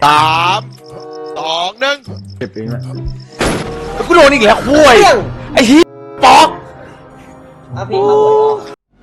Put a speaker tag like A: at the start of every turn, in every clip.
A: 3 2 1
B: เก็บเองแหละ
C: กูโดนอีกแล้วคุยไอ้ที่ปอก
D: พี่เขาหวยออก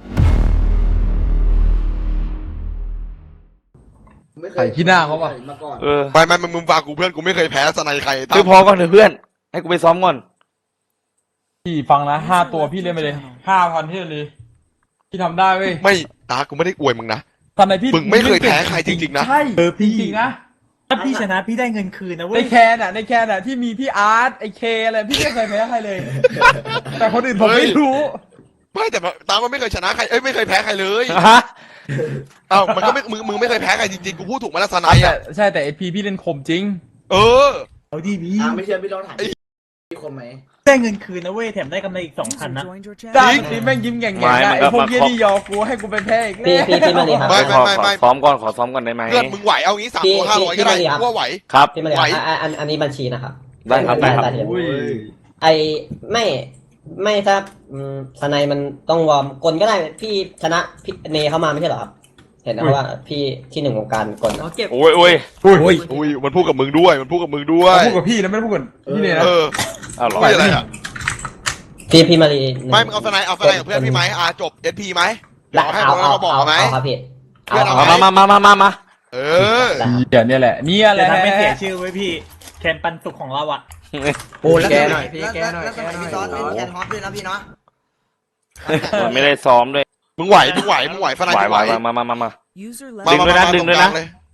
B: ใส่ขี้หน้าเขาป่ะ
A: ไม่มึงฟังกูเพื่อนกูไม่เคยแพ้สไนใคร
C: คือพอก่อนเถอะเพื่อนให้กูไปซ้อมก่อน
B: พี่ฟังนะ5 ตัวพี่เล่นไปเลย5,000ที่เลยพี่ทำได้เว้ย
A: ไม่ตากูไม่ได้อวยมึงนะ
B: ตอนไหนพี่
A: มึงไม่เคยแพ้ใครจริงๆนะ
B: ใช่พี่จริงนะ
E: ถ้าพี่ชนะพี่ได้เงินคืนนะเว้
B: ใน
E: ย
B: แคนอ่ะที่มีพี่อาร์ตไอเคอะไรพี่ไม่เคยแพ้ใครเลย แต่คนอื่นผมไม่รู้
A: ไม่แต่ตามันไม่เคยชนะใครไม่เคยแพ้ใครเลย
C: ฮะ
A: อ้าวมันก็ไม่มึงไม่เคยแพ้ใครจริงๆกูพูดถูกมาแล้วสไน
B: แต่
A: อ่ะ
B: ใช่แต่ไอพีพี่เล่นคมจริง
A: เออ
E: เอาดีพี่
D: ไม่เชื่อพี่ลองถามมีคนไหม
E: ได้เงินคืนนะเว้ยแถมได้กำไรอีก2,000นะ
B: จ้าทีแม่งยิ้มแง่งๆนะไอพวกเยี่ยนี่ยอกูให้กูไปแพ้อีกแล้ว
D: พี่มาดีครับ
A: ไม่
C: ขอซ้อมก่อนได้ไหม
A: เพื่อนมึงไหวเอางี้3 ตัว 500ก็ได้กูว่าไหว
C: ครับ
D: พี่มาดีอันนี้บัญชีนะครับ
C: ได้ครับ
B: อุ้ย
D: ไอไม่ถ้าสไนมันต้องวอร์มกลก็ได้พี่ชนะพี่เนเข้ามาไม่ใช่เหรอครับเห็นนะว่าพี่ที่1 วงการกล
C: โอ้ย
A: อุ้ยมันพูดกับมึงด้วยมันพูดกับมึงด้วย
B: พูดกับพี่นะไม่ได้พูดกับพี่เนี่ยนะ
A: เออ
C: อ้าวเหรอ
A: ไม่อะไรอ่ะ
D: พี่มาดี
A: ไม่มึงเอาสไนกับเพื่อนพี่ไหมจบ SP ไหม
D: ได้
A: ให้
D: เอา
A: เราบอกไหม
D: ครับพี่
A: เพื่อนเอา
C: มา
A: เออ
B: เดี๋ยวเนี่ยแหละ
E: จะทำให้เสียชื่อไว้พี่แคนปันสุขของเราอ่ะ
D: โอ้แล้ว
F: แกหน่อยพี่แกหน่อยแล้วสมัยพี่ซอสเล่นแคนฮอตด้วยนะพี่เนาะ
C: ไม่ได้ซ้อมด้วย
A: มึงไหวสไน
C: ไหว
A: มึงไหว
C: มา ดึงด้วยนะ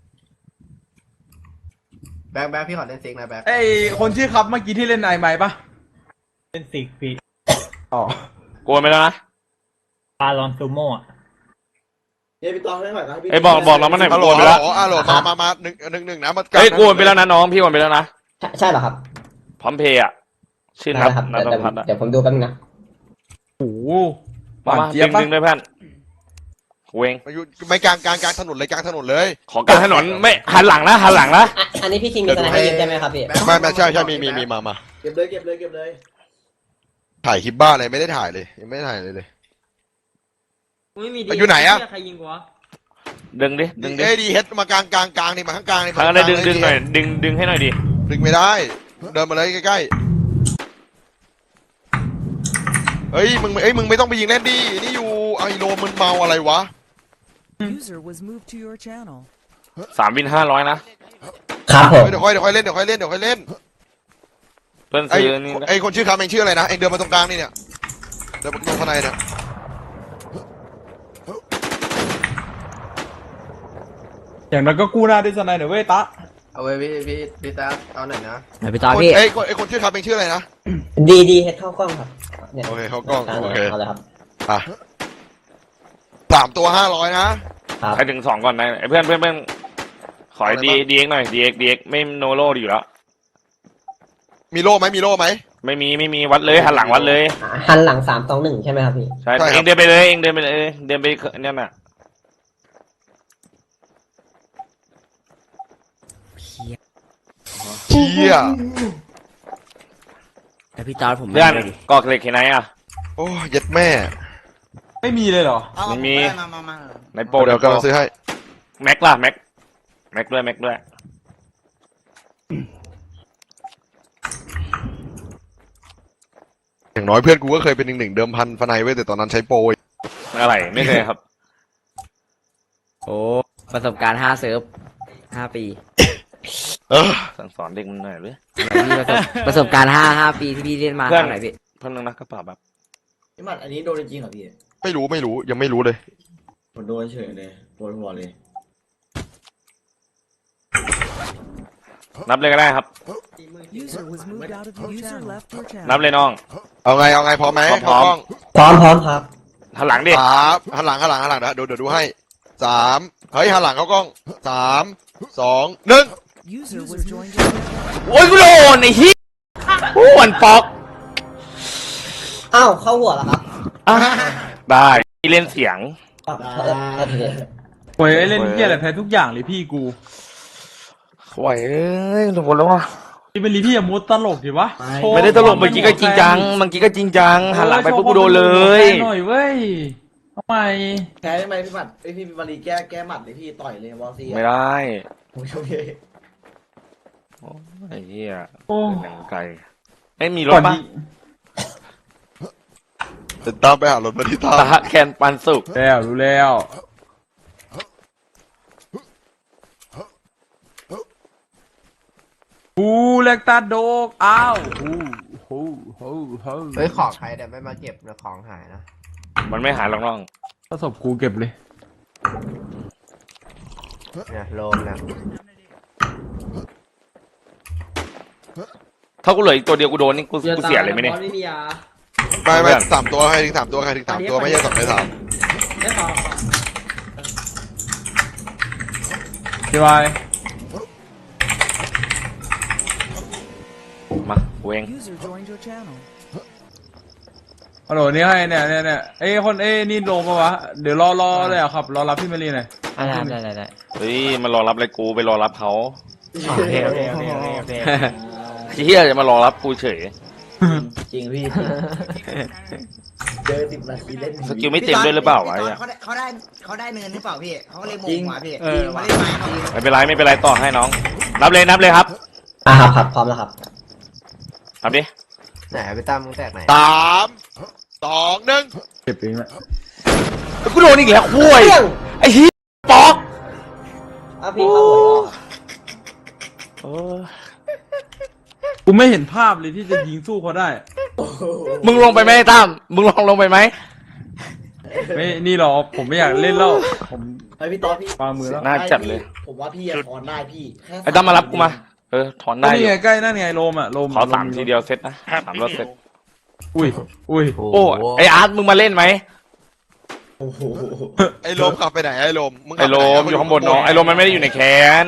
F: แบงค์พี่ขอเล่นซิกนะแบงค์
B: ไอคนชื่อครับเมื่อกี้ที่เล่นไอไม้ปะ
E: เป็นสิกพี่
B: อ๋อ
C: โกนไปแล้วนะ
E: ปาลอนซูโม่อะ
D: พี่ตองไม่ไหวครับพี่
C: ไอ้บอกเรามาหน่อย
A: ฮัลโหล
C: โกนไปแล้ว
A: มาหนึ่งนะมา
C: เฮ้ยโกนไปแล้วนะน้องพี่โกนไปแล้วนะ
D: ใช่เหรอครับ
C: พร้อมเพย์อ่ะชื่อนัท
D: ครับ
C: นัทพัฒน์
D: เดี๋ยวผมดูแป๊บนึงนะ
B: โอ้โหห
C: มาว
B: านเจี๊ยบปะ
C: ดึงด้วยเพื่อนเวง
A: ไม่กลางถนนเลยกลางถนนเลย
C: ของกลางถนนไม่หันหลังนะ
D: อันนี้พี่คิงมีสไนให้ยืมใช่ไหมครับพี่
A: ไม่ใช่มีมา
D: เก็บเลย
A: ถ่ายคลิปบ้าอะไรไม่ได้ถ่ายเลยยังไม่ได้ถ่ายเลยอยู่ไหนอะ
C: ดึงดิ
A: เอ้ดีเฮดมากลางนี่มาข้างกลางนี่
C: ทางอะไรดึงหน่อยดึงให้หน่อยดิ
A: ดึงไม่ได้เดินมาเลยใกล้ๆเฮ้ยมึงไม่ต้องไปยิงเล่นดินี่อยู่ไอโลมึนเมาอะไรวะ
G: User was moved to your channel.
C: 3 วิน 500นะครับ
D: ผม
A: เดี๋ยวค่อยเล่นเ
C: เพื่อน
A: ไอ
C: ซื้อนี่
A: ไอคนชื่อคำเองชื่ออะไรนะเองเดินมาตรงกลางนี่เนี่ยเดินมาตรงข้างในเนี่ย
B: อย่างนั้นก็กู้หน้าด้วยสไนเดี๋ยวเว้ยตะ
F: เอาไว้พี่ตาเอาหน่อยนะ
D: พี่ตาพี่
A: ไอคนชื่อคำเองชื่ออะไรนะ
D: ดีเฮ็ดเข้ากล้องครับเนี่ย
A: โอเคเข้ากล้องโอเค
D: เอาเลยครับ
A: อ่ะ3 ตัว 500นะ
C: ใครถึง2ก่อนนะเพื่อนขอดีเอ็กหน่อยดีเอ็กไม่โนโลดีอยู่แล้ว
A: มีโล่ไหม
C: ไม่มีวัดเลยหันหลังวัดเลย
D: หันหลัง3-2-1ใช่ไหมครับพี่
C: ใช่เองเดินไปเลยเดินไปเนี่ยน่ะ
A: เชี่ย
D: แต่พี่ตาผม
C: เพื่อนกอกเหล็กเห็นไหนอ่ะ
A: โอ้ยัดแม่
B: ไม่มีเลยเหรอ
C: ไม่มี
F: มา
C: ในโปร
A: เดี๋ยวกำลังซื้อให้
C: แม็กล่ะแม็กด้วย
A: อย่างน้อยเพื่อนกูก็เคยเป็น1 เดิมพันฟนายไว้แต่ตอนนั้นใช้โปร
C: อะไรไม่เคยครับ
H: โอ้ประสบการณ์5 เซิร์ฟ 5 ปี
C: สั่งสอนเด็กมันหน่อยเลย
H: ประสบการณ์5 ปีที่พี่เล่นมา
C: เพื่อน
H: เท่าไหร่พี่
C: เพื่อนนึงนะกระเป๋าแบบ
D: พี่มัดอันนี้โดนจริงเหรอพี่
A: ไม่รู้ยังไม่รู้เลย
D: ผมโดนเฉยเลยโดนหัวเลย
C: นับเลยก็ได้ครับ
G: User was moved out of your channel. User left your
C: นับ
G: channel.
C: เลยน้อง
A: เอาไงพร้อมไหม
C: พร้อม
D: พร้อมครับ
C: หันหลังดิ
A: หันหลังนะเดี๋ยวดูให้3เฮ้ยหันหลังเข้ากล้อง3 2 1
G: User was joined your channel.
C: โอ้ยกูโดนไอ้ฮิอ้วนปอก
D: อ้าวเข้าหัวแล้วครับ
C: ได้เล่นเสียง
B: โอ้ยเล่นเหี้ยอะไรแพ้ทุกอย่างเลยพี่กู
C: ไหวเอ้ยทุกคนแล้ววะ
B: ที่เป็นลีพี่อย่ามุดตลกดิวะ
C: ไม่ได้ตลกเมื่อกี้ก็จริงจังหันหลังไปปุ๊บกูโดนเลย
B: หน่อยเว้ยทำไม
D: แพ้ได้ไหมพี่มัดพี่มารีแก้หมัดเลยพี่ต่อยเลยวอลซี
C: ไม่ได้
D: โอเค
C: โอ้ไอ้เหี้ย
B: โอ้
C: หนังไก่ไม่มีร
B: ก่
C: ถ
B: อน
C: ปะ
B: ยิง
A: ตามไปหารถมาที่ตาม
C: ตาแคนปันสุก
B: แล้วรู้แล้วฮูเล็กตาโดกอ้าวฮู
F: เฮ้ยของใครเดี๋ยวไม่มาเก็บนะของหายนะ
C: มันไม่หายหรอกน้อง
B: ประสบกูเก็บเลย
F: เนี่ยโลมเนี่ย
C: ถ้ากูเหลืออีกตัวเดียวกูโดนนี่กูเสียเลยไหมเนี่ย
D: ไม่มียา
A: ไม่3 ตัวใครถึง3 ตัวใครถึง3 ตัวไม่ใช่2 ใน
D: ไม่พอ
B: พี่วาย
C: มากูเอง
G: User joined your channel.
B: ฮัลโหลนี่ให้เนี่ยเอ้คนนี่ลงปะวะเดี๋ยวรอเลยอ่ะครับรอรับพี่มารีหน่อย
H: ได้
C: เฮ้ยมันรอรับอะไรกูไปรอรับเขา
H: โอเค
C: เฮียจะมารอรับกูเฉย
F: จริงพี่เจอ10 นาทีเล่น
C: สกิลไม่เต็มด้วยหรือเปล่าวะไอ้อะ
F: เขาได้เนินหรือเปล่าพี่เขาก็เลยโมงมาพี่
C: ไม่เป็นไรต่อให้น้องนับเลยครับ
D: ครับพร้อมแล้วครับ
C: นับดิ
F: ไหนไปตั้มมึงแตกไหน
A: 3 2 1
B: เก็บเองแหละ
C: กูโดนอีกแล้วคุยไอ้เฮียปอก
D: พี่เข้าหัว
B: กูไม่เห็นภาพเลยที่จะยิงสู้เขาได้
C: มึงลงไปไหมไอ้ตั้มมึงลงไปไหม
B: ไม่นี่หรอผมไม่อยากเล่นแล้วผม
F: ไอพี่ต๊อดพี่
B: วางมือแล้ว
C: น่าจัดเลย
F: ผมว่าพี่ถอนได้พี่
C: ไอ้ตั้มมารับกูมาถอนได้
B: นี่ไงใกล้นั่นไงโลมโลม
C: ขอ3 ทีเดียวเซตนะ3 รอบเซต
B: อุ้ย
C: โอ้ไออาร์ตมึงมาเล่นไหม
A: ไอ้โลมขับไปไหนไอ้โลมมึง
C: ไอโลมอยู่ข้างบนน้องไอโลมมันไม่ได้อยู่ในแคน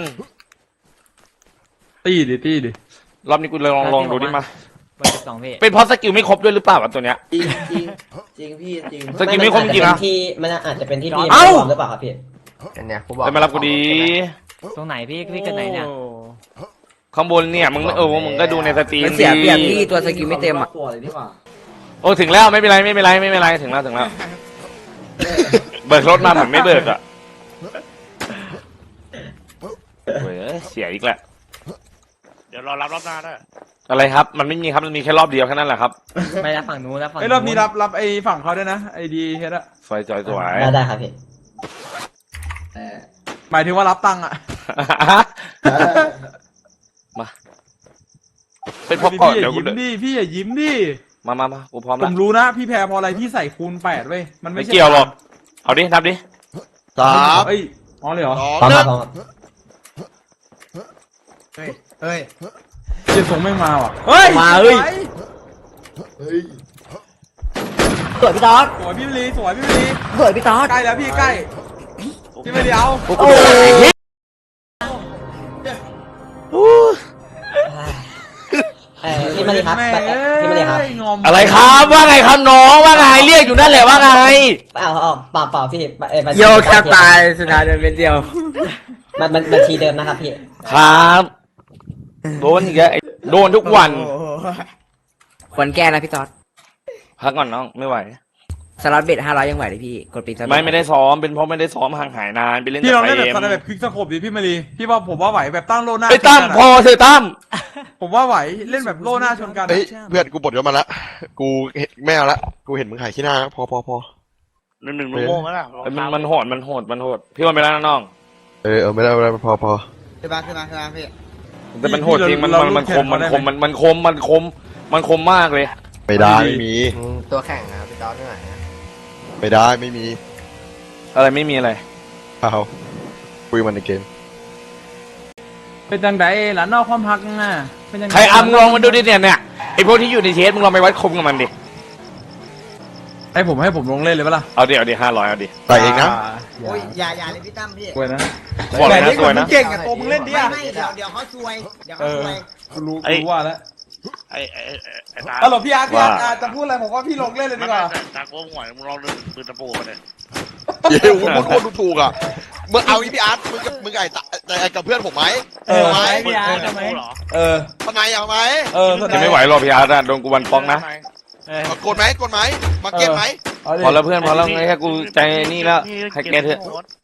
B: ตี้ดิ
C: รอบนี้กูลองดูดิมา
H: เบอร์12พี่
C: เป็นเพราะสกิลไม่ครบด้วยหรือเปล่าวะตัวเนี้ย
F: จริงพี่จริง
C: สกิลไม่ครบจริงนะ
D: มันอาจจะเป็นที่พี่
C: เอ้า
D: หรือเปล่าครับพี่
F: เนี่ยกูบอก
C: ไปมารับกูดี
H: ตรงไหนพี่เกิดไหนเนี่ย
C: ข้างบนเนี่ยมึงมึงก็ดูในสตรีม
H: มันเสียเปรียบพี่ตัวสกิลไม่เต็มอ่ะ
C: โอ้ถึงแล้วไม่เป็นไรถึงแล้วเบิกรถมาเหมือนไม่เบิกอ่ะเว้ยเสียอีกแหละ
I: เดี๋ยวรอรับรอบหน้าด้วย
C: อะไรครับมันไม่มีครับมันมีแค่รอบเดียวแค่นั้นแหละครับ
H: ไม่รับฝั่งนู้นแล้วฝั่ง
B: ไอ้รอบนี้รับไอ้ฝั่งเขาด้วยนะไอ้ดีเฮ็ดอะ
C: สวย
D: ได้ครับพี่
B: หมายถึงว่ารับตังค์อะ
C: มาเป็นเพราะก่อน
B: พี่อ
C: เดี๋ยว
B: ย่า
C: กู
B: ยิ้มดิพี่อย่ายิ้มดิ
C: มากูพร้อม
B: ผ
C: แล้ว
B: มรู้นะพี่แพ้เพราะอะไรพี่ใส่คูณ8เว้ยมัน
C: ไม่
B: ไม่ใช่
C: เกี่ยวหรอกเอาดินับดิ
A: 3
B: เอ้ยอ๋อเลยเหรอ
D: พร้อม
A: 2
D: ครับพร้อมครับ
F: เฮ้ย
B: เจ็ดทรงไม่มาว่ะเฮ้ย
H: มาเฮ้ย
D: สวยพี่ต๊อด
B: สวยพี่มลีสวยพี่มลี
D: สวยพี่ต๊อด
B: ใกล้แล้วพี่ใกล้พี่ไม่ได้เอา
C: โอ้ย
D: พี่มาดีครับพี่มาดีครับ
B: งอม
C: อะไรครับว่าไงครับน้องว่าไงเรียกอยู่นั่นแหละว่าไง
D: เปล่าพี่
H: โยแคบตายสุดท้ายเดินเป็นเดียว
D: มันบัญชีเดิมนะครับพี่
C: ครับโดนอีกแล้วโดนทุกวัน
H: ควรแก้นะพี่ต๊อด
C: พักก่อนน้องไม่ไหว
H: สล็อตเบ็ด500ยังไหวเลยพี่กดปิดสล็อต
C: ไม่ได้ซ้อมเป็นเพราะไม่ได้ซ้อมห่างหายนานไปเล่น
B: พี่ลอง
C: แต่
B: เล่น
C: ไฟ
B: แบบ
C: เอ็ม
B: แบบคลิกสโคปดิพี่มารีพี่ว่าผมว่าไหวแบบตั้งโลหน้า
C: ไปตั้ม
B: ชนกัน
C: พอ
B: อะ
C: เถอะตั้ม
B: ผมว่าไหวเล่นแบบโลหน้าชนกัน
A: เฮ้ยเพื่อนกูบดยศมาละกูไม่เอาละกูเห็นมึงหายขี้หน้าพอ
I: หนึ่งโม่งแล้วล่ะ
C: มันโหดพี่วันไปแล้วนะน้อง
A: ไม่ได้พอ
F: ขึ้นมาพี่
C: แต่มันโหดจริงมันคมมากเลย
A: ไม่ได้ไม่มี
F: ตัวแข่งนะพี่ต๊อดด้วย
A: ไม่ได้ไม่มี
C: อะไรไม่มีอะไร
A: เอาคุยมันในเกม
B: เป็นจังไดหลานนอกความพักน่ะเป็นจังได
C: ใครมึงลองมาดูดิเนี่ยไอพวกที่อยู่ในเชสมึงลองไปวัดคมกับมันดิ
B: ให้ผมลงเล่นเลยปะล่ะ
C: เอาดิ500เอาดิ
A: ใส่เองนะ
F: โอ้ยอย่าเลยพี่ตั้มพี่
B: สวยนะ
C: บอกเลยนะสวยนะ
B: เก่งอะตัวมึงเล่นดิอะ
F: ไม่เดี๋ยวเขาซวยเดี๋ยวเขาซวย
B: กูรู้ว่าแล้ว
I: ไอ้ตา
B: ฮัลโหลพี่อาร์ตจะพูดอะไรผมว่าพี่ลงเล่นเลยดีกว่า
I: ตาโกงหวยมึงลองดึงปืนตะปูมาเลย
A: เย้พูดถูกอ่ะมึงเอาอีพี่อาร์ตมึงไอ้กับเพื่อนผมไหม
B: ไหม
I: ปืนตะปูเหรอ
A: ทำไมเอาไหม
C: จะไม่ไหวหรอกพี่อาร์ตโดนกูวันฟ้องนะ
A: กดไหมมาเก็บไหม
C: พอแล้วเพื่อนพอแล้วแค่กูใจนี่แล้วให้แกเถอะ